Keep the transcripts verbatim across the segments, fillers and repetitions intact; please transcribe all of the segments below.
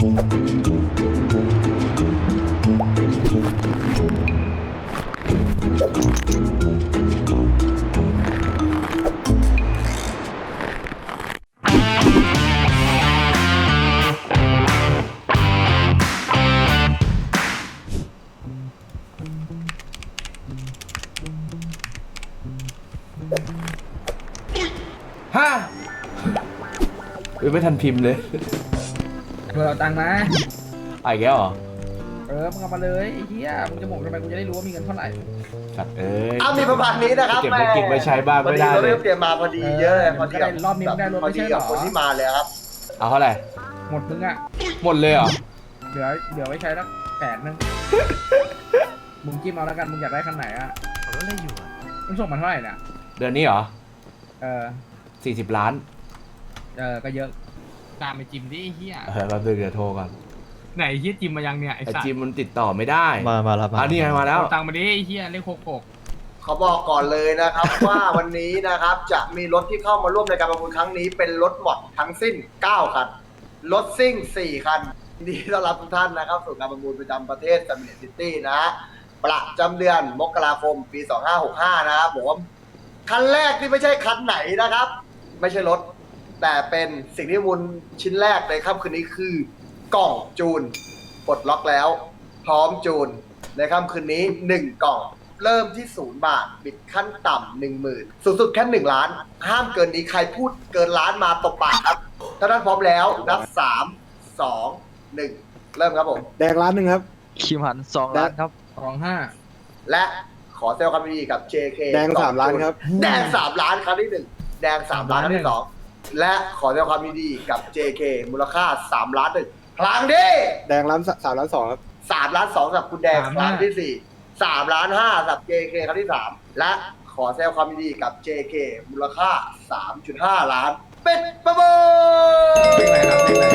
ฮะเออไม่ทันพิมพ์เลยเพื่อเอาตังค์มาไอ้แกเหรอเออมึงเอามาเลยไอ้เหี้ยมึงจะหมกทำไมกูจะได้รู้ว่ามีเงินเท่าไหร่สัตว์เอ้ยเอามีประมาณนี้นะครับเก็บไว้กินไว้ใช้บ้างไม่ได้พอเลยเราเตรียมมาพอดีเยอะเลยพอดีกับรอบนี้ไม่ได้รถพอไม่ดีใช่เหรกับอคนที่มาเลยครับเอาเท่าไหร่หมดมึงอ่ะหมดเลยเหรอเหลือเหลือไว้ใช้สักแสนนึงมึงจิ้มเอาแล้วกันมึงอยากได้คันไหนอ่ะรถอะไรอยู่อ่ะมึงส่งมาเท่าไหร่เนี่ยเดือนนี้เหรอเออสี่สิบล้านเออก็เยอะตามไปจิมดิไอ้เหี้ยเออแป๊บนึงเดี๋ยวโทรก่อนไหนไอ้เหี้ยจิมมายังเนี่ยไอ้ไอสัตจิมว์มันติดต่อไม่ได้มามาแล้วมาอ่ะนี่ไงมาแล้วเอาตังค์มาดิไอ้เหี้ยเลขหกหกเขาบอกก่อนเลยนะครับ ว่าวันนี้นะครับจะมีรถที่เข้ามาร่วมในการประมูลครั้งนี้เป็นรถหมดทั้งสิ้นเก้าคันรถซิ่งสี่คันยินดีต้อนรับทุกท่านนะครับสู่การประมูลประจำประเทศซัมมิตซิตี้นะฮะประจำเดือนมกราคมปีสองห้าหกห้านะครับผมคันแรกที่ไม่ใช่คันไหนนะครับ ไม่ใช่รถ แต่เป็นสิ่งที่มูลชิ้นแรกในค่ำคืนนี้คือกล่องจูนปลดล็อกแล้ว พร้อมจูนในค่ำคืนนี้หนึ่งกล่อง เริ่มที่ศูนย์บาทบิดขั้นต่ำหนึ่งหมื่นสูงสุดแค่หนึ่งล้าน ห้ามเกินนี้ใครพูดเกินล้านมาตบปากครับถ้าท่านพร้อมแล้วนับสามสองหนึ่งเริ่มครับผมแดงล้านหนึ่งครับคิมหันสองล้านครับสองห้าและขอแสดงความยินดีกับ เจ เคแดงสามล้านครับแดงสามล้านครั้งที่หนึ่งแดงสามล้านครั้งที่สองและขอแสดงความยินดีกับ เจ เค มูลค่าสามล้านหนึ่งครั้งที่แดงล้านสามล้านสองครับสามล้านสองสำหรับคุณแดงครั้งที่สี่สามล้านห้าสำหรับ เจ เค ครั้งที่สามและขอแสดงความยินดีกับ เจ เค มูลค่า สามจุดห้า ล้าน เป็นประมูลเลขอะไรครับเลขอะไร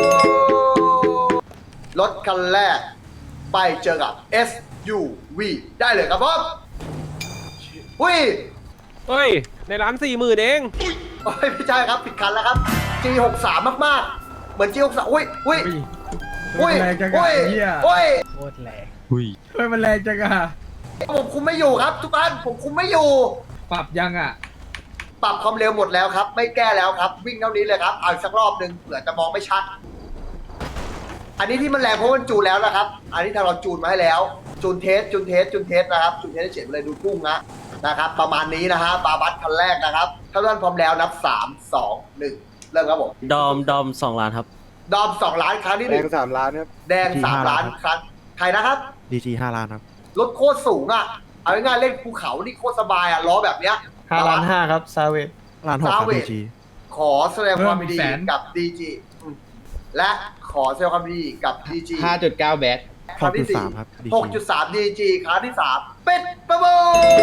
รถคันแรกไปเจอกับ เอส ยู วี ได้เลยครับผมอุ้ยเฮ้ย ในร้านสี่หมื่นเองโอ้ยไม่ใช่ครับผิดคันแล้วครับ จี หกสิบสาม มากๆ เหมือน จี หกสิบสาม อุ้ยอุ้ยอุ้อุ้ยยแรงจังอะอุ้ยไอ้เหี้ยอุ้ยโคตรแรงอุ้ยเฮ้ยมันแรงจังอะผมคุมไม่อยู่ครับทุกท่านผมคุมไม่อยู่ปรับยังอะปรับความเร็วหมดแล้วครับ ไม่แก้แล้วครับ วิ่งเท่านี้เลยครับเอาอีกสักรอบหนึ่งเผื่อจะมองไม่ชัด อันนี้ที่มันแรงเพราะมันจูนแล้วนะครับ อันนี้ทางเราจูนมาให้แล้ว จูนเทสจูนเทสจูนเทสนะครับจูนเทสให้เฉียดไปเลยดูกุ้งนะนะครับ ประมาณนี้นะฮะบาบัสคันแรกนะครับถ้าท่านพร้อมแล้วนับสามสองหนึ่งเริ่มครับผมดอม ดอมสองล้านครับดอมสองล้านครั้งที่หแดนึ่งงสามล้านครับแดงสามล้านครั้งใครนะครับดีจีห้าล้านครับรถโคตรสูงอ่ะเอาง่ายๆเล่นภูเขานี่โคตรสบายอ่ะล้อแบบเนี้ยห้าล้านห้าครับซาเวตล้านหกครับ Savage ดีจีขอแสดงความยินดีกับ ดี จี อืมและขอแสดงความยินดีกับ ดี จีห้าจุดเก้าแบทครั้งที่สี่หกจุดสามครับ ดีหกจีจุดสาม ดี จี ครั้งที่สามเป็นประมู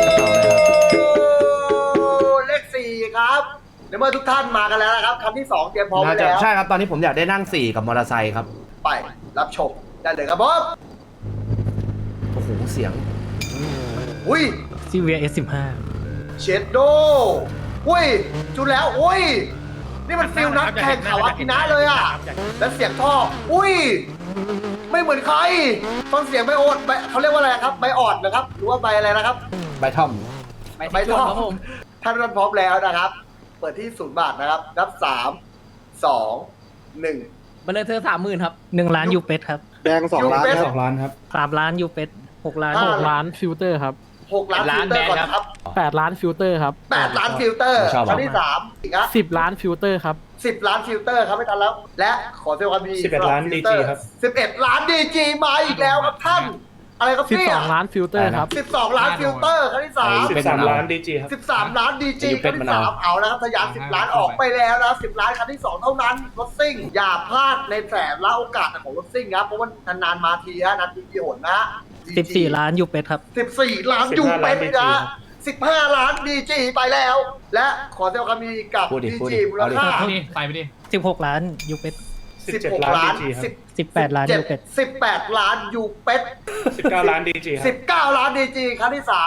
ลเลขสี่ครับในเมื่อทุกท่านมากันแล้วนะครับครั้งที่สองเตรียมพร้อมไว้แล้วใช่ครับ ตอนนี้ผมอยากได้นั่งสี่กับมอเตอร์ไซค์ครับไปรับชมได้เลยครับผมโอ้โห เสียงอุ้ยซีเวียเอสสิบห้าเชดโดอุ้ยจุดแล้วอุ้ยนี่มันฟิลนักแข่งเขาอากินะเลยอ่ะแล้วเสียงท่ออุ้ยไม่เหมือนใครฟังเสียงใบโอดใบเขาเรียกว่าอะไรครับใบออดนะครับหรือว่าใบอะไรนะครับใบท่อมใบท่อท่านรับพร้อมแล้วนะครับ เปิดที่ศูนย์บาทนะครับนับสามสองหนึ่งมันเลยเธอสามหมื่นครับหนึ่งล้านยูเป็ดครับแดงสองล้านยูเป็ดคสรัอบ งล้านครับสามล้านยูเป็ดหกล้านห้าหกล้านฟิลเตอร์ครับหกล้านฟิลเตอร์ก่อนครับแปดล้านฟิลเตอร์ครับแปดล้านฟิลเตอร์ชอบครั้งที่สามอีกนะสิบล้านฟิลเตอร์ครับสิบล้านฟิลเตอร์ครับไม่ทันแล้ว และขอแสดงความยินดีสิบเอ็ดล้าน ดี จี ครับสิบเอ็ดล้านดีจีมาอีกแล้วครับท่าน อะไรครับสิบเนี่สยองล้านฟิลเตอร์ครับสิบสองล้านฟิลเตอร์ครั้งที่สามสิสิบบสามล้านดีจีครับสิบสามล้านดีจีอายุคเป็รั้นงที่มะนาวสามเอาแล้วครับทะยานสิบล้านออกไปแล้วนะสิบล้านครั้งที่สองเท่านั้นรถซิ่งอย่าพลาดในแสนละโอกาสของรถซิ่งครับเพราะว่านานๆมาทีนะนานทีกี่หนนะสิบสี่ล้านยูเป็ดครับสิบสี่ล้านยูเป็นนะสิบห้าล้านดีจีไปแล้ว และขอแสดงความยินดีกับพูดดิดีพูดดิจีมูลค่าเอาดิไปไปดิสิบหกล้านยูเป็ดสิบหกล้านสิบสิบแปดล้านยูเป็ดสิบแปดล้านยูเป็ดสิบเก้าล้านดีจีครัสิบบเก้าล้านดีจีครั้งที่สาม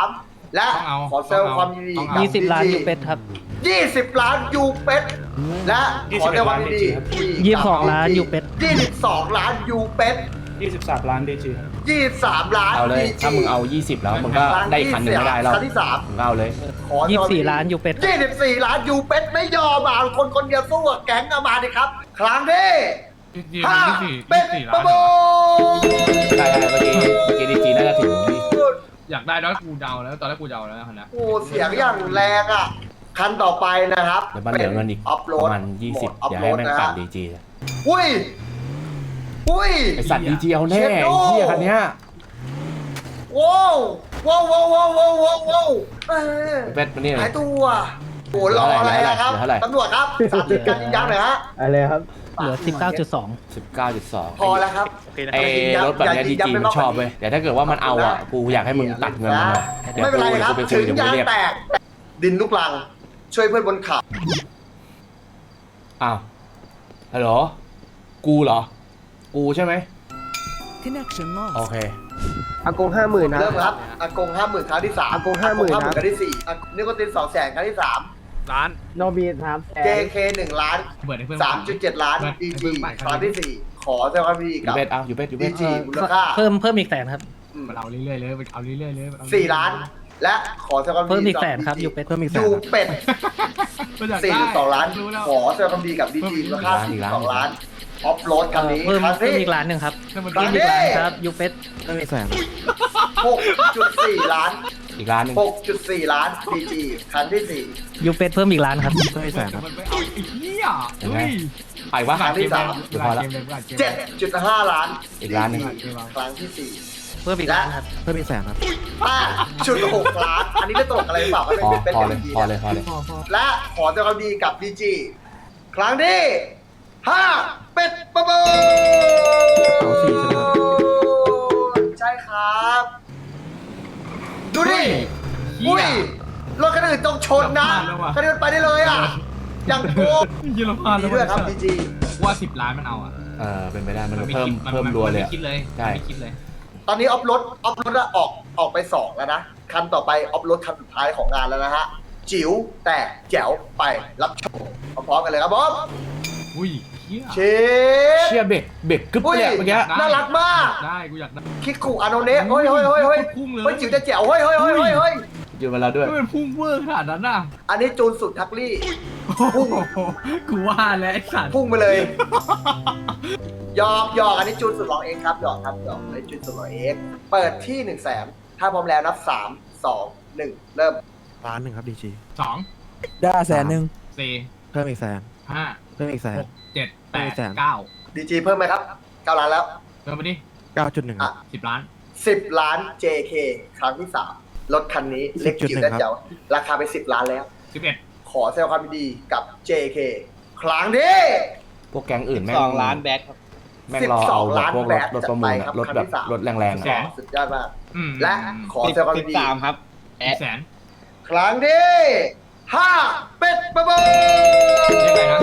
และขอแสดงความยินดีกับยี่สิบล้านดียูจีเป็ดครับยี่สิบล้านยูเป็ดและขอแสดงความยินดียี่สิบสองล้านยูเป็ดยี่สิบสองล้านยูเป็ดยี่สิบสามล้านดีจีครับยี่สิบสามล้านเอาเลยดีจีถ้ามึงเอายี่สิบแล้วมึงก็ได้อีกคันหนึ่งไม่ได้แล้วครั้งที่สามมึงก็เอาเลยขอแสดยี่งสิควาบมยิสี่นดีล้านยูเป็ดยี่สิบสี่ล้านยูเป็ดไม่ยอมอ่ะคนคนเดียวสู้กับแก๊งเอามาดิครับ ครั้งที่ห้าเป็ดประมูลใช่ๆเมื่อกี้เมื่อกี้ดีจีน่าจะถึงที่อยากได้แล้วกูเดาแล้วตอนแรกกูเดาแล้วนะโอ้เสียงอย่างแรงอ่ะ คันต่อไปนะครับเดี๋ยวมันเหลือเงินอีกอัพโหลปดระมาณยี่สิบอัพอย่าโหลให้ดแม่งนะปั่ฮะนดีจีอุ้ยอุ้ยไอสัตว์ดีจีเอาแน่เชฟโน่ไอ้เหี้ยคันเนี้ยว้าวว้าวว้าวว้าวว้าวว้าวว้าวเออเป็ดมาเนี่ยหายตัวโอ้รออะไรนะครับเหลือเท่าไหร่ตำรวจครับสามสิบกันยิงยักษ์หน่อยฮะอะไรครับเหลือสิบเก้าจุดสองสิบเก้าจุดสองพอแล้วครับไอ้รถแบบเนี้ยดีจีมันชอบเว้ยแต่ถ้าเกิดว่ามันเอาอ่ะกูอยากให้มึงตัดเงินมันหน่อยเดี๋ยวไม่เป็นไรกูครับกูไปคุถึยงเดี๋ยวมึยาง งเรียกแตก ดินลูกลัง ช่วยเพื่อนบนเขาอ้าวฮัลโหลกูเหรอ กูใช่ไหมโอเคอากงห้าหมื่นนะเริ่มครับอากงห้าหมื่นครั้งที่สามอากง50,000 ห้าหครัมื่นบครั้งที่สี่อ่ะนิโคตินสองแสนครั้งที่สามล้านโนบีสามแสนเจ เค หนึ่งล้านเบิร์ดให้เพื่อนสามจุดเจ็ดล้าน ดีจีครั้งที่สี่ขอแสดงความยินดียูกับเป็ดเอายูเป็ดยูดีเป็ดจีมูลค่าเพิ่มเพิ่มอีกแสนครับมันเอาเรื่อยๆเลยมันเอาเรื่อยๆเลยสี่ล้าน และขอแสดงความยิเพิ่มนดีอีกแสนครับยูเป็ดเพิ่มอีกแสนยูครับเป็ดสี่สี่สิจุบดสสออง งล้าล้าน น ขอแสดงความยินดีกับดีจีมูลค่าสี่จุดสองล้านออฟโรดคันนี้เพิ่มครั้งเพิ่มที่อีกล้านหนึ่งครับครั้เพิ่งมที่อีกล้านครับยูเป็ดเพิ่มอีกแสนหกจุดสี่ล้านอีกร้านหนึ่งหกจุดสี่ล้าน ดีจี ครั้งที่สี่ยูเป็ดเพิ่มอีกล้านครับเพิ่มอีกแสนครับมันไม่เอาไอ้เหี้ยเห็นไหมเฮ้ยไปวะครั้งที่สามเดี๋ยวพอละเจ็ดจุดห้าล้านอีกล้านหนึ่งครั้งที่สี่เพิ่มอีกล้านครับเพิ่มอีกแสนครับห้าจุดหกล้าน อันนี้ไม่ตลกอะไรหรือเปล่าก็เป็นพอเป็นพอเป็นเลยดีพอเลยพอเลยและขอแสดงความดีกับดีจีครั้งที่ห้าเป็ดประมูลเอาสี่ใช่ไหมครับใช่ครับ ดูดิอุ้ยรถคันอื่นต้องชนนะคันนี้มันไปได้เลยอ่ะ อย่างโกงเยอรมันดีด้วยครับดีจีว่าสิบล้านมันเอาอ่ะเออเป็นไปได้มันมันไม่เพิ่มคิดเพิ่มรัวเลยไม่อะคิดเลยใช่ไม่คิดเลยตอนนี้ออฟรถออฟรถออกออกไปสองแล้วนะ คันต่อไปออฟรถคันสุดท้ายของงานแล้วนะฮะ จิ๋วแต่แจ๋วไปรับชมพร้อมๆกันเลยครับผมอุ้ยเหี้ยเชฟเชี่ยเบรกเบรกกึ๊บอุ้ยเลยอะเมื่อกี้น่ารักมากได้กูอยากได้คิกคุอาโนเนะเฮ้ยเฮ้ยเฮ้ยเฮ้ยพุ่งเลยเฮ้ยจิ๋วจะแจ๋วเฮ้ยเฮ้ยเฮ้ยเฮ้ยเฮ้ยอยู่มาแล้วด้วยไม่เป็นพุ่งเวอร์ขนาดนั้นน่ะอันนี้จูนสุดทักลี่ พุ่งกูว่าแล้วไอ้สัตว์พุ่งไปเลยหยอกหยอกอันนี้จูนสุดหล่อเองครับหยอกครับหยอกอันนี้จูนสุดหล่อเองเปิดที่หนึ่งแสนถ้าพร้อมแล้วนับสามสองหนึ่งเริ่มล้านหนึ่งครับดีจีสองได้แสนหนึ่งสี่เพิ่มอีกแสนห้าเพิ่มอีกแสนหกเจ็ดแปไม่ดแสนเก้าดีจีเพิ่มไหมครับเก้าล้านแล้วเติมไปดิเก้าจุดหนึ่งอ่ะสิบล้านสิบล้าน เจ เค ครั้งที่สามรถคันนี้เล็กจิ๋วและเจ๋วราคาไปสิบล้านแล้วสิบเอ็ดขอแสดงความยินดีกับ เจ เค ครั้งที่พวกแก๊งอื่นแม่งสองล้านแบ็คครับแม่งรอเอาแบบพวกรถรถประมูลสิบสองล้านแบตอะรถแบบจัดไปครับรถแรงๆอะสุดยอดมากอืมและขอแสดงความยินดีสิบสามครับสิบแสนครั้งที่ห้าเป็ดประมูลยังไงนะ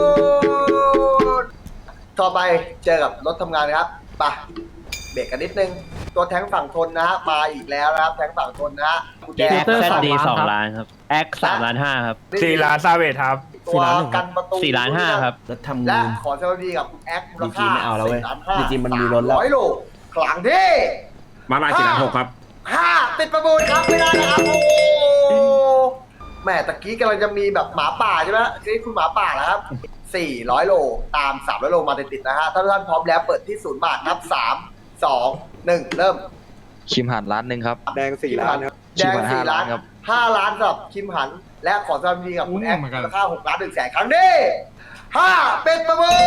ต่อไปเจอกับรถทำงานนะครับไปเบรกกันนิดนึง ตัวแทงฝั่งทนนะฮะมาอีกแล้วนะครับ แทงฝั่งทนนะฮะกุญแจเตอร์สองล้านครับสองล้านครับ แอคสามล้านห้าครับสี่ล้านซาเวทครับตัวกันประตูสี่ล้านห้าครับรถทำและเงินขอแสดงความยินดีกับคุณแอคมูลค่าดีจีไม่เอาแล้วเว้ยสี่ล้านห้าดีจีมันมีรถแล้วร้อยโลครั้งที่มาลายสี่ล้านหกครับห้าติดประมูลครับไม่ได้นะครับโอ้โหแหม่ตะกี้กำลังจะมีแบบหมาป่าใช่ไหมนี่คุณหมาป่าแล้วครับสี่ร้อยโลตามสามร้อยโลมาติดๆนะฮะถ้าทุกท่านพร้อมแล้วเปิดที่ศูนย์บาทนับสามสองหนึ่งเริ่มคิมหันล้านหนึ่งครับแดงสี่ล้านครับแดงสี่ล้านครับห้าล้านสำหรับคิมหัน และขอแสดงความยินดีกับคุณแอคเหมือนกันมูลค่าหกล้านหนึ่งแสนครั้งนี้ห้าเป็นประมู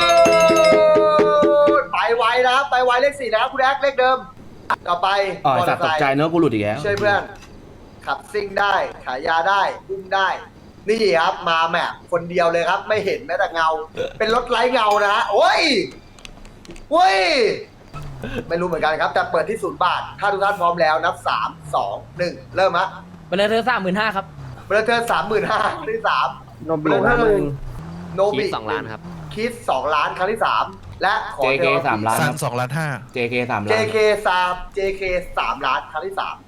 ลไปไวนะครับไปไวเลขสี่แล้วคุณแอคเลขเดิมต่อไปอ๋อไอ้สัตว์ตกใจเนอะกูหลุดอีกแล้วช่วยเพื่อน ขับซิ่งได้ขายยาได้อุ้มได้ นี่ครับมาแมพคนเดียวเลยครับ ไม่เห็นแม้แต่เงา เป็นรถไร้เงานะฮะโอ้ยโอ้ย ไม่รู้เหมือนกันครับ แต่เปิดที่ศูนย์บาท ถ้าทุกท่านพร้อมแล้วนับสามสองหนึ่งเริ่มฮะไปเลยเธอสามหมื่นห้าครับเบอร์เทอร์สามหมื่นห้าครั้งที่สามโนบิห้าหมื่นโนบิคิดสองล้านครับคิดสองล้านครั้งที่สามและขอเจ เค สามล้านสันสองล้านห้าเจ เค สามเจล้านเคสาม เจ เค สามล้านครั้งที่สาม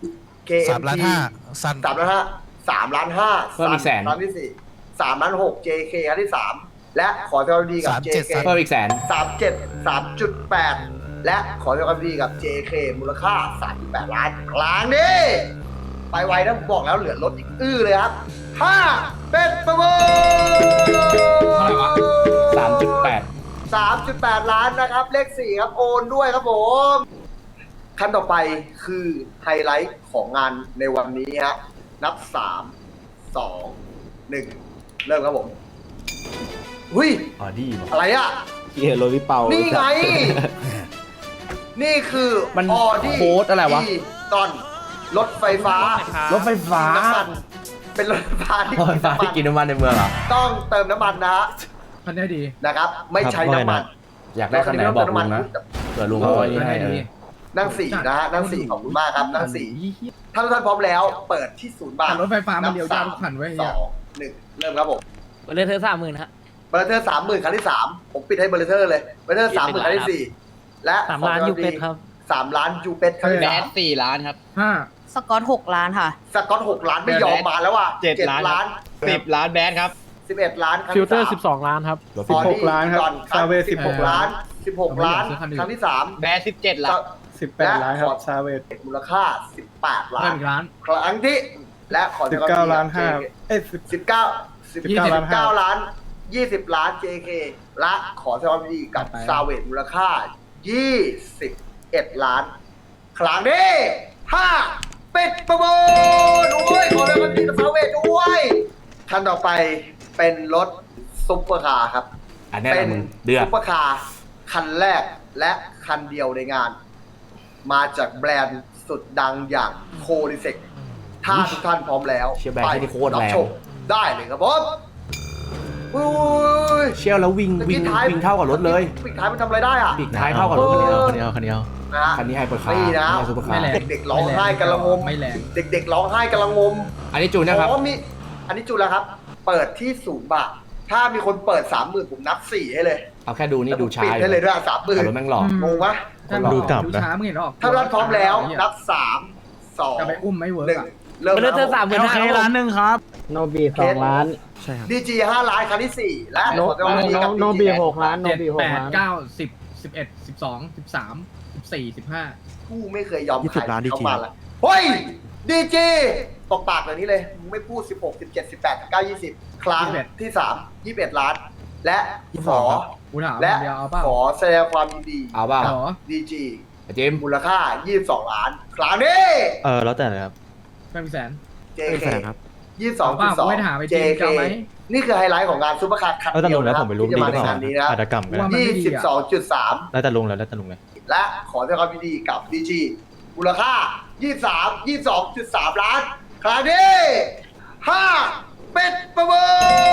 เค เอ็ม ทีสันสามล้านห้าสามล้านห้าเพิ่มอีกแสนล้านที่สี่สามล้านหก เจ เค ครั้งที่สามและขอแสดงความยินดีกับสามเจ็ดเจ เคเพิ่มอีกแสนสามเจ็ดสามจุดแปดและขอแสดงความยินดีกับ เจ เค มูลค่าสามจุดแปดล้านครั้งนี้ไปไวนะผมบอกแล้วเหลือรถอีกอื้อเลยครับห้าเป็นประมูลเท่าไหร่วะสามจุดแปดสามจุดแปดล้านนะครับ เลขสี่ครับโอนด้วยครับผมขั้นต่อไปคือไฮไลท์ของงานในวันนี้ฮะนับสามสองหนึ่งเริ่มครับผมหุ้ยอ๋อดีป่ะอะไรอ่ะเฮียโรลิเปานี่นี่ไง นี่คือมันออดี้โค้ดอะไรวะตอนรถไฟฟ้ารถไฟฟ้าน้ำมันเป็นรถไฟฟ้าที่รถไฟฟ้าที่กินน้ำมันในเมืองเหรอต้องเติมน้ำมันนะฮะคันนี้ดีนะครับ ไม่ใช้น้ำมันอยากได้คันไหนบอกลุงนะเผื่อลุงเอาไว้ให้เออนั่งสี่นะฮะนั่งสี่ขอบคุณมากครับนั่งสี่ถ้าทุกท่านพร้อมแล้ว เปิดที่ศูนย์บาทแต่รถไฟฟ้ามันเดียวยากทุกคันไว้ยสเฮียองหนึ่งเริ่มครับผมเบอร์เลเธอสามหมื่นฮะเบอร์เทอร์สามหมื่นครั้งที่สามผมปิดให้เบอร์เทอร์เลยเบอร์เทอร์สามหมื่นครั้งที่สี่และสามล้านยูเป็ดครับสามล้านยูเป็ดครั้งที่แบสามดสี่ล้านครับห้าสกอตหกล้านค่ะสกอตหกล้านไม่ยอมมาแล้วว่ะเจ็ดล้านล้านสิบล้านแบดครับสิบเอ็ดล้านครั้งฟิลที่เตอร์สามสิบสองล้านครับออดี้สิบหกล้านครับก่อนซาเวสสิบหกล้านสิบหกล้านครั้งที่สามแบดสิบเจ็ดล้านสิบแปดล้านครับซาเวสมูลค่าสิบแปดล้าเพิ่นมอีกล้านครั้งที่และขอสิบเก้าล้านห้าเอ้ยสิบสิบเก้าสิบยี่สิบเก้าล้านยี่สิบล้าน เจ เค และขอแสดงความยินดีกับต่อไปซาเวตมูลค่ายี่สิบเอ็ดล้าน ครั้งนี้ห้าปิดประมูลโอ้ยขอแสดงความยินดีกับซาเวตด้วยคันต่อไปเป็นรถซุปเปอร์คาร์ครับอันนี้แหเป็ละนมึงเดือดซุปเปอร์คาร์คันแรกและคันเดียวในงาน มาจากแบรนด์สุดดังอย่างโคดิเซกถ้าทุกท่านพร้อมแล้วเชียร์แบรนด์ที่โคตรแรงชมได้เลยครับผมอุ้ยเชี่ยวแล้ววิ่งวิ่งวิ่งเท่ากับรถเลยปิดท้ายมันทำอะไรได้อ่ะปีกท้ายเท่ากับรถคันเดียวเออคันเดียวคันเดียวนะคันนี้ไฮเปอร์คาร์นี่นะซุปเปอร์คาไม่ร์แรงเด็กๆร้องไห้กันละงมไม่แรงเด็กๆร้องไห้กันละงมอันนี้จูนนะครับอ๋อมีอันนี้จุดแล้วครับ เปิดที่ศูนย์บาทถ้ามีคนเปิดสามหมื่นผมนับสี่ให้เลยเอาแค่ดูนี่ดูช้าปิดอยู่ให้เลยด้วยสามหมื่แต่นรถแม่งหล่องงปะถ้าดูกลับดูนะช้ามึงเห็นหรอกถ้าท่านพร้อมแล้วนับสามสองจะไปอุ้มไม่เวิร์หนึ่กงอะเริ่มเบอร์เลเธอสามหมื่นห้าล้านหนึ่งครับโนบีสองล้านใช่ครับดีจีห้าล้านครั้งที่สี่และโนขอแสดงความยินดีกับโนดีบีจีหกล้านโนเจ็ดบีหแปกดล้านเก้าสิบสิบเอ็ดสิบสองสิบสามสิบสี่สิบห้ากูไม่เคยยอมยี่สิบล้านเข้าดีจีมาละเฮ้ยดีจีตบปากแบบนี้เลยมึงไม่พูดสิบหก สิบเจ็ด สิบแปด สิบเก้า ยี่สิบครั้งที่สามยี่สิบเอ็ดล้าน และขอกูถามและคนเดียวเอาเปล่าขอแสดงความยินดีเอาเปล่าเหรอดีจีไอ้เจมส์มูลค่ายี่สิบสองล้าน ครั้งนี้เออแล้วแต่เลยครับไม่มีแสนเจเป็นเคแสนครับยี่สิบสองเอาเปล่าสองไม่ถามไอ้เจเจมส์เคจะเอาไหมนี่คือไฮไลท์ของงานซุปเปอร์คาร์คันแล้วแต่เดีลุยวงแล้วนะคผรับมไม่รู้ที่ดีจะหมารือในเปล่างานนี้นะอาจจะกำก็ว่าได้มันยี่ไม่ดีสิบอะสองจุดสามแล้วแต่ลุงแล้วแล้วแต่ลุงเลยและขอแสดงความยินดีกับดีจีมูลค่า ยี่สิบสาม ยี่สิบสองจุดสาม ล้าน ครั้งนี้ห้าเป็ดประมู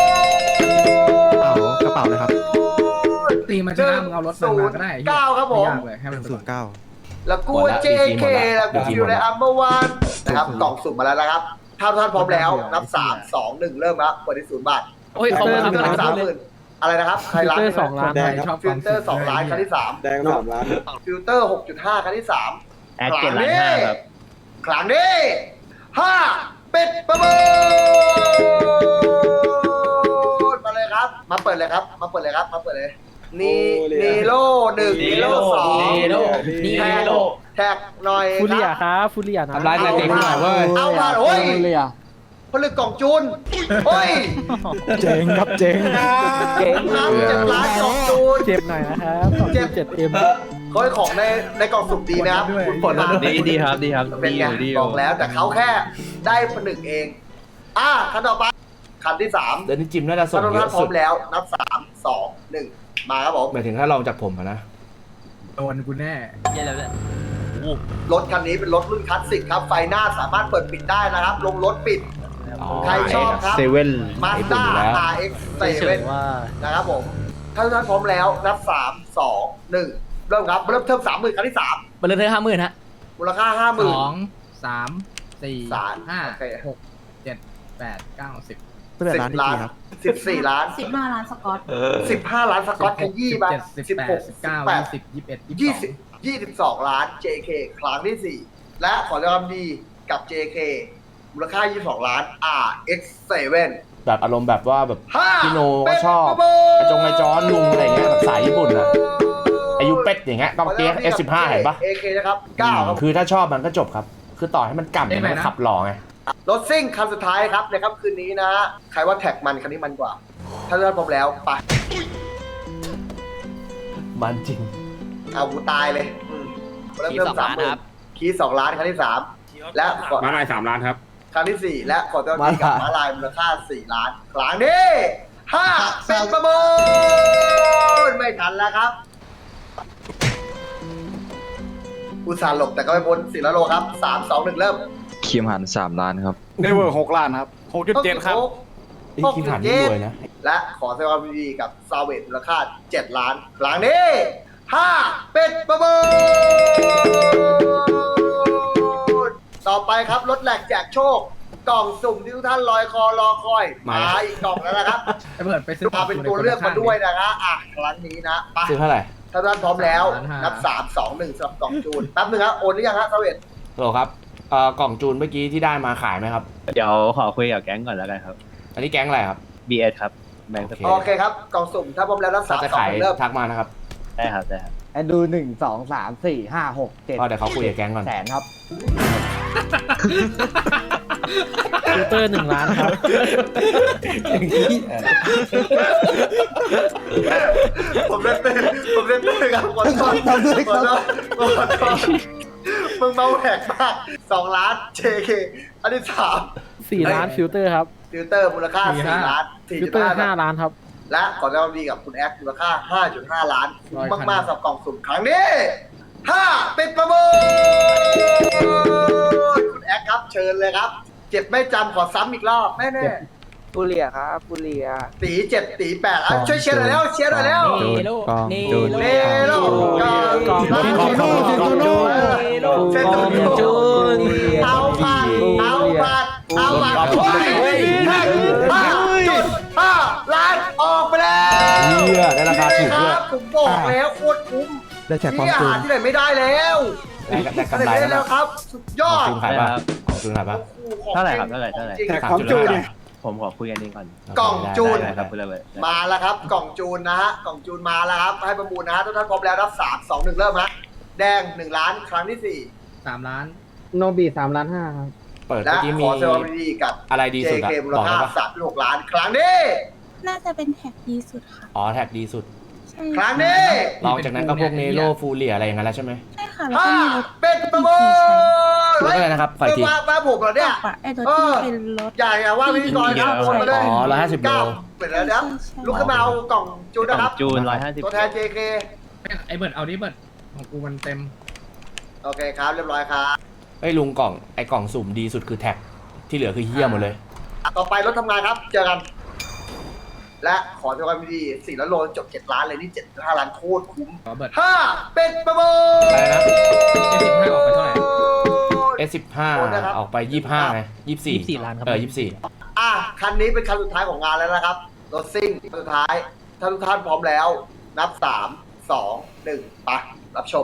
ลกระเป๋าเลยครับตีมันชนะมึงเอารถมันมาก็ได้เก้าครับผมไยากเลยให้หมันนึ่งไปศูก่อนนย์เก้าแล้วกูหมดละเจดีจีหเคมดละแล้วกูดีจีฟิวหมดในละอัมเบอร์วันนะครับกล่องสุ่มมาแล้วนะครับ ถ้าท่านพร้อมแล้วนับสามสองหนึ่งเริ่มครับเปิดที่ศูนย์บาทโอ้ยขอบคุณครับฟิลเตอร์สามหมื่นอะไรนะครับใครร้านฟิลเตอร์สองล้านใครชอบฟิลเตอร์สองล้านครั้งที่สามแดงสามล้านฟิลเตอร์หกจุดห้าครั้งที่สามแอคเจ็ดล้านห้าครับครั้งนี้ห้าเป็ดประมูลมาเลยครับ มาเปิดเลยครับ มาเปิดเลยครับ มาเปิดเลยนีนีโร่หนึ่งนีโร่สองนีโร่นีแท็กโร่แท็กหน่อยฟูเรียครับครับฟูเรียนะทำร้ายสเต็กหน่อยเว้ยเอามาโอ้ยเลยอ่ะผลึกกล่องจูนโอ้ยเจ๋งครับเจ๋งเก่งน้ำเจ็ดล้านกล่องจูนเจ็บหน่อยนะครับขอบคุณเจ็ดเอ็มเขาให้ของในในกล่องสุ่มดีนะครับคุณผลมาดีดีครับดีครับเป็นดีไงอยู่ดีอบอยู่ กแล้วแต่เขาแค่ได้ผนึกเอง อ่ะคันต่อไปคันที่สามเดี๋ยวนี้จิมน่าจะส่ถ้าง ทุกเยท่านอะพร้อสุดมแล้วนับสามสองหนึ่งมาครับผมหมายถึงถ้าลองจากผมอะนะโดนกูแน่เย็นแล้วเนี่ยรถคันนี้เป็นรถรุ่นคลาสสิกครับไฟหน้าสามารถเปิดปิดได้นะครับ ลงรถปิดอ๋อใครชอบครับเซเว่นมาสด้า อาร์ เอ็กซ์ เซเว่นว่านะครับผม ถ้าทุกท่านพร้อมแล้วนับสามสองหนึ่งเริ่มครับเริ่มเทิมสามหมื่นครั้งที่สามเบอร์เลเธอห้าหมื่นฮะมูลค่าห้าหสมื่นองสามสี่สามห้าโอเคหกเจ็ดแปดเก้าสิบเป็นสิร้านบดีล้านครับสิบสี่ล้านสิบห้าล้านสกอตสิบห้าล้านสกอตขยี้มาสิสิบบ แปหดกสิสิบบ เก้าแปดยี่สิบยี่สิบเอ็ดยี่ยี่สิสิบบ ยี่สิบสองล้าน เจ เค ครั้งที่สี่และขอแสดงความดีกับ เจ เค มูลค่ายี่สิบสองล้าน อาร์ เอ็กซ์ เซเว่นแบบอารมณ์แบบว่าแบบห้าพี่โนก็ชอบไอจงไอจอนลุงอะไรเงี้ยแบบสายญี่ปุ่นอะอายุเป็ดอย่างเงี้ยต้องเปียก เอฟ สิบห้า เห็นปะเอ เค นะครับเก้าครับคือถ้าชอบมันก็จบครับ คือต่อให้มันกล่ำเนี่ยมันขับหล่อไงรถซิ่งคันสุดท้ายครับในค่ำคืนนี้นะ ใครว่าแท็กมันคันนี้มันกว่า ถ้าเลือกพร้อมแล้วไปมันจริงเอากูตายเลยอืมเริ่มคีย์เริ่สอมงสามล้านหมื่คน รับคีย์สองล้านครั้งที่สามและขอมาลายสามล้านครับครั้งที่สี่และขอเจ้าหน้าที่กับม้าลายมูลค่าสี่ล้านครั้งนี้ห้าเป็นประมูลไม่ทันแล้วครับ อุตส่าห์หลบแต่ก็ไม่พ้นสี่ล้านโลครับสามสองหนึ่งเริ่มคิมหันสามล้านครับเนเวอร์หกล้านครับหกจุดเจ็ดครับไอ้คิมหันนี่รวยนะและขอแสดงความยินดีกับซาเวตมูลค่าเจ็ดล้านครั้งนี้ห้าเป็นประมูลต่อไปครับรถแหลกแจกโชค กล่องสุ่มที่ทุกท่านลอยคอรอคอยมามาอีกกล่องแล้วนะครับไอ้เบิร์ดไปซื้อมาเป็นตัวเลือกมาด้วยนะฮะอ่ะครั้งนี้นะไปซื้อเท่าไหร่ถ้าท่านพร้อมแล้วสามล้านห้านันับสามสองหนึ่งสำหรับกล่องจูนแป๊บนึงครับโอนหรือยังฮะซาเวตโหลครับเอ่อกล่องจูนเมื่อกี้ที่ได้มาขายไหมครับเดี๋ยวขอคุยกับแก๊งก่อนแล้วกันครับอันนี้แก๊งอะไรครับบี เอส ครับแบงค์สโอเคปอโอร์ตเคครับกล่องสุ่มถ้าพร้อมแล้วนับถ้าสามจะสองขายหนึ่งเริ่มทักมานะครับได้ครับได้ครับแอนดูหนึ่งสองสามสี่ห้าหกเจ็ดก็เดี๋ยวเขาคุยกับแก๊งก่อนแสนครับฟิลเตอร์หนึ่งล้านครับผมเล่นตื่นผมเล่นตื่นครับขอโทษขอโทษขอโทษขอโทษมึงเมาแหกมากสองล้าน เจ เค อันที่สามสี่ล้านฟิลเตอร์ครับฟิลเตอร์มูลค่าสี่ล้านสี่ฟิลจุดเตอร์ห้าห้าล้านครับและขอแสดงความดีกับคุณแอคมูลค่า ห้าจุดห้า ล้านคุ้มมากๆสำหรับกล่องสุ่มครั้งนี้ห้าปิดประมูลคุณแอคครับเชิญเลยครับ เจ็บไม่จำขอซ้ำอีกรอบแม่แน่บุเรียครับบุเรียตีเจ็ดตีแปดอ่ะช่วยเชียร์หน่อยแล้วเชียร์หน่อยแล้วเนโลเนโลเนโลกองกองกองกองกองกองเซนตูนจูนเอาผ่านเอาผ่านเอาผ่านเฮ้ยห้าจุดห้าล้านออกไปแล้วเหี้ยได้ราคาถูกด้วยครับผมบอกแล้วโคตรคุ้มได้แจกความที่อาจูหาน รที่ไหนไม่ได้แล้วได้ได้ที่กำไหนไรไม่ได้แล้แล้ว วครับ สุดยอดจูนขายป่ะของจูนขายป่ะเท่าไหร่ครับเท่าไหร่เท่าไหร่จงๆแต่ของจูนเนี่ยผมขอคุยกันนี้ก่อนกล่องจูนได้ครับคุณระเบิดมาแล้วครับ กล่องจูนนะฮะกล่องจูนมาแล้วครับให้ประมูลนะฮะทุกท่านพร้อมแล้วนับสามสองหนึ่งเริ่มฮะแดงหนึ่งล้านครั้งที่สี่สามล้านโนบีสามล้านห้าครับเปิดและเมื่อกี้ขมีอแสดงความยินดีกับอะไรดีสุดอะเจ เค มูลบอกค่าได้ปะสามจุดหกล้านครั้งนี้น่าจะเป็นแท็กดีสุดค่ะอ๋อแท็กดีสุดใช่ครั้งนี้ลองจากนั้นก็พวกเนโรฟูเรียอะไรอย่างนั้นแล้วใช่ไหมใช่ค่ะ แล้วห้าก็มีรถเป็นประมูลรถอะไรนะครับขออีกทีว่าว่าผมเหรอเนี่ยปะไอ้รถที่เป็นรถใหญ่อะว่าพิธีกรครับคนมาเลยอ๋อร้อยห้าสิบโลเก้าเปิดแล้วนะลุกขึ้นมาเอากล่องจูนกล่นะองครับจูนร้อยห้าสิบตัวแทน เจ เคไอ้เบิร์ดเอาดิเบิร์ดของกูมันเต็มโอเคครับเรียบร้อยครับเฮ้ยลุงกล่องไอ้กล่องสุ่มดีสุดคือแท็กที่เหลือคือเหี้ยหมดเลยต่อไปรถทำงานครับ เจอกัน และขอแสดงความยินดีสี่ล้านโลจบเจ็ดล้านเลยนี่เจ็ดห้าล้านโคตรคุ้มขอเบิร์ดห้าเป็นประมูลอะไรนะเอสิบห้าออกไปเท่าไหร่เอสสิบห้าออกไปยี่สิบห้าไงยี่สิบสี่ยี่สิบสี่ล้านครับเออยี่สิบสี่อ่ะคันนี้เป็นคันสุดท้ายของงานแล้วนะครับรถซิ่งสุดท้าย ถ้าทุกท่านพร้อมแล้ว นับสามสองหนึ่งไปรับชม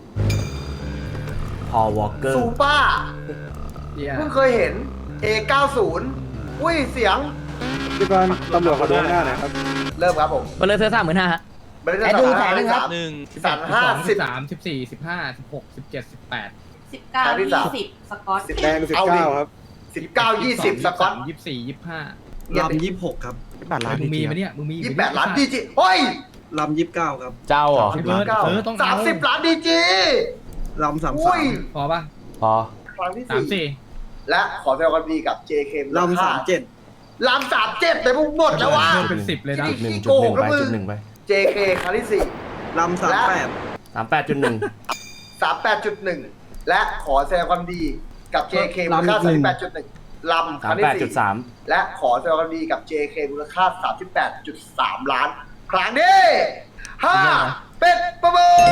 พอวอลเกอซูร์เปอร์เหี้ยเพิ่งเคยเห็น เอ เก้าสิบ อุ้ยเสียงพี่กรณ์ตำรวจเขาดูหน้าหน่อยครับเริ่มครับผมเบลเลอร์เซอร์สามหมื่นห้าฮะไม่ได้ดูแสนหนึ่งครับหนึ่งสันห้าสิบสามสิบสี่สิบห้าสิบหกสิบเจ็ดสิบแปดสิบเก้าครั้งที่สามยี่สิบสกอตสิบแดงสิบเอาเก้าดิครับสิบเก้ายี่สิบสกอตยี่สิบสี่ยี่สิบห้าเงียบดิยี่สิบหกครับแปดล้านมึงมีไหมเนี่ยมึงมียี่สิบแปดล้านดีจีโอ้ยลำยี่สิบเก้าครับเจ้าเหรอไอ้เบิร์ดเออต้องสามสิบล้านดีจีลำสามอุ้ยพอป่ะพอครั้งที่สามสี่สี่และขอแสดงความดีกับ เจ เคลำสามเจ็ดลำสามเจ็ดแต่พวกหมดแล้ววะเพิ่มเป็นสิบเลยนะจุดหนึ่งจุดหนึ่งไปจุดหนึ่งไปเจ เค ครั้งที่สี่ลำสามแปดสามแปดจุดหนึ่งสามแปดจุดหนึ่งและขอแสดงความดีกับ เจ เค มูลค่าสามแปดจุดหนึ่งลำคสารั้มงแปดที่จุดสี่สามและขอแสดงความดีกับ เจ เค มูลค่าสามสิบแปดจุดสามล้าน ครั้งนี้ห้าเป็นประมูล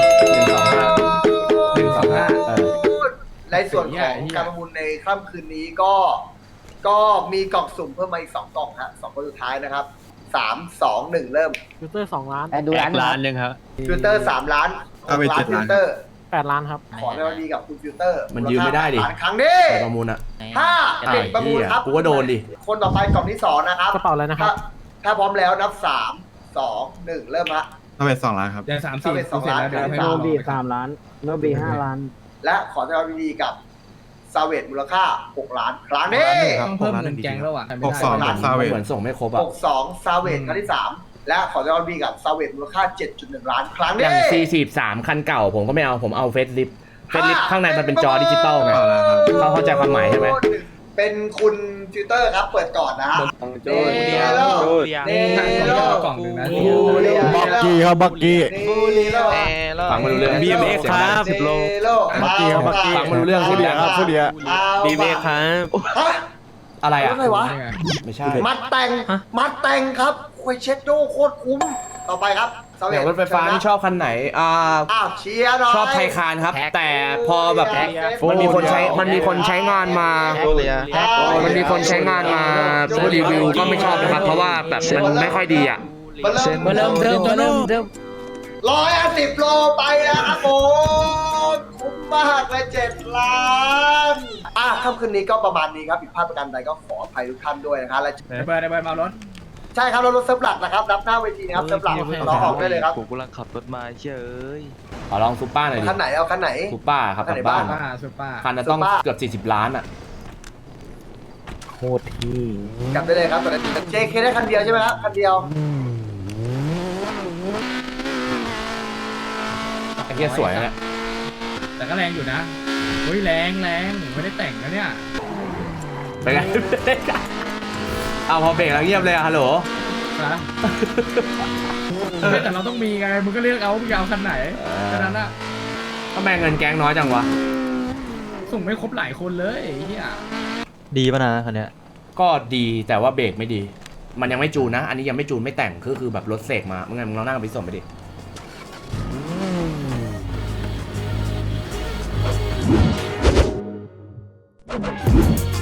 หนึ่งสองห้าเออในส่วนของการประมูลในค่ำคืนนี้ก็ ก็มีกล่องสุ่มเพิ่มมาอีกสองกล่องฮะสองคนสุดท้ายนะครับสามสองหนึ่งเริ่มฟิลเตอร์สองล้านแอนดูแอร้านกล้านหนึ่งครับฟิลเตอร์สามล้านเอาไปหกล้านเจ็ดฟิล้านลเตอร์แแปดล้านครับขอแสดงความยินดีกับคุณฟิลเตอร์มันยืมไม่ได้ดิมูลค่าแปล้านครั้งนี้ไปประมูลอ่ะถ้าอ่าปิดประมูลครับเหี้ยกูก็โดนดิคนต่อไปกล่องที่สองนะครับกระเป๋าอะไรนะครับถ้าถ้าพร้อมแล้วนับสามสองหนึ่งเริ่มฮะทำไมสองล้านครับเดี๋ยวสามถ้าสี่เป็นสองเสร็จล้านแล้วเดี๋ยวให้โนน้องบีสามล้านโนบีห้าล้านและขอแสดงความยินดีกับซาเวตมูลค่าหกล้านครั้งนี้ต้องเพิ่มเงินแกงแล้วอ่ะหกสองล้านซาเวเหมือนส่งไม่ครบอ่ะหกสองซาเวตครั้งที่สามและขอแสดงความยินดีกับซาเวตมูลค่า เจ็ดจุดหนึ่ง ล้านครั้งอนี้ย่าง สี่สิบสาม คันเก่าผมก็ไม่เอา ผมเอาเฟซลิฟเฟซลิฟข้างในมันเป็นจอดิจิตอลไงเขาเข้าใจความหมายใช่ไหมเป็นคุณฟิลเตอร์ครับเปิดก่อนนะฮะโจเนโลเนโลกล่องหนึ่งนะบักกี้ครับบักกี้เนโลฟังไม่รู้เรื่องบี เอ็ม เอ็กซ์ครับเสียงดังเนโลบักกี้ครับบักกี้ฟังไม่รู้เรื่องผู้เดียครับผู้เดียบีเอ็มเอ็กซ์ครับฮะอะไรอ่ะอะไรวะไม่ใช่มัดแต่งมัดแต่งครับคุยเช็ดโดโคตรคุ้มต่อไปครับซาเวเดี๋ยวรถไฟฟ้านี่ชอบคันไหน อ่าอ้าวเชียร์หน่อยชอบไทยคานครับ แต่พอแบบ มันมีคนใช้ มันมีคนใช้งานมา มันมีคนใช้งานมาผู้รีวิวก็ไม่ชอบนะครับ เพราะว่าแบบมันไม่ค่อยดีอ่ะมาเริ่มเริ่มเริ่มเริ่มเริ่มร้อยห้าสิบโลไปแล้วครับผมคุ้มมากเลยเจ็ดล้านอ่ะค่ำคืนนี้ก็ประมาณนี้ครับผิดพลาดประการใดก็ขออภัยทุกท่านด้วยนะครับและได้เบิร์ดได้เบิร์ดมาเอารถใช่ครับเรารถเซิร์ฟหลักนะครับรับหน้าเวทีนะครับเซิร์ฟหลักเราออกได้เลยครับผมกำลังขับรถมาเฉยขอลองซูเปอร์หน่อยดิคันไหนเอาคันไหนซูเปอร์ครับกลับบ้านป้าซุปป้าคันจะต้องเกือบสี่สิบล้านอ่ะโคตรที่กลับได้เลยครับตอนนี้ เจ เค ได้คันเดียวใช่ไหมครับคันเดียวไอ้เหี้ยสวยนะเนี่ยแต่ก็แรงอยู่นะเฮ้ยแรงแรงไม่ได้แต่งนะเนี่ยเป็นไง เอาพอเบรกแล้วเงียบเลยอะฮัลโหลนะแต่เราต้องมีไงมึงก็เลือกเอามึงจะเอาคันไหนแค่นั้นอะทำไมเงินแก๊งน้อยจังวะส่งไม่ครบหลายคนเลยไอ้เฮียดีป่ะนะคันเนี้ยก็ดีแต่ว่าเบรกไม่ดี มันยังไม่จูนนะ อันนี้ยังไม่จูนไม่แต่งคือคือแบบรถเสกมาเมื่อไงมึงลองนั่งไปส่งไปดิ